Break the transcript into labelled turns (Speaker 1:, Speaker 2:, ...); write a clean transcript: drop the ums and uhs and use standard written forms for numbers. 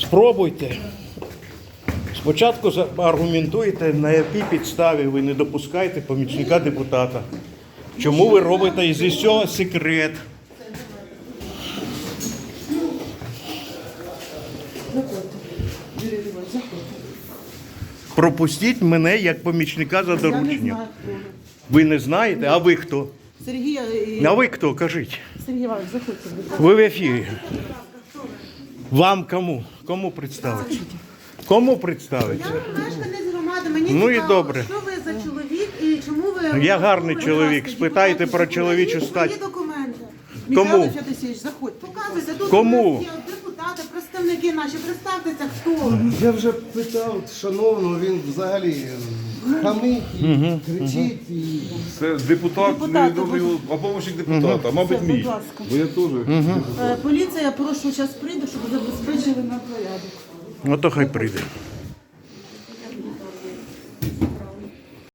Speaker 1: Спробуйте. Спочатку аргументуйте, на якій підставі ви не допускаєте помічника депутата. Чому ви робите із цього секрет? Пропустіть мене як помічника за дорученням. Ви не знаєте? А ви хто?
Speaker 2: Сергій,
Speaker 1: А ви хто? Кажіть.
Speaker 2: Сергій Іванович, заходьте, будь ласка.
Speaker 1: Ви в ефірі. Вам кому? Кому представити? Кому представити?
Speaker 2: Я мешканець громади, мені
Speaker 1: Ну і
Speaker 2: цікаво,
Speaker 1: добре.
Speaker 2: що ви за чоловік і чому ви...
Speaker 1: Я гарний
Speaker 2: Будь
Speaker 1: чоловік,
Speaker 2: ласка,
Speaker 1: спитайте
Speaker 2: документи,
Speaker 1: про чоловічу
Speaker 2: покажіть
Speaker 1: стать.
Speaker 2: свої документи.
Speaker 1: Кому?
Speaker 2: Михайло Федосійович, заходьте. Показуйте. Тут
Speaker 1: Кому?
Speaker 2: у нас є депутати, представники наші. Представтеся, хто.
Speaker 3: Я вже питав шановного, він взагалі хамить і кричить. І...
Speaker 4: Це депутат,
Speaker 2: Депутат,
Speaker 4: невідомий, а помощник депутата, мабуть,
Speaker 2: Все,
Speaker 4: мій.
Speaker 2: будь ласка.
Speaker 4: Бо я теж.
Speaker 2: Поліція, я прошу, зараз прийду, щоб забезпечили нам порядок.
Speaker 1: Ну то хай прийде.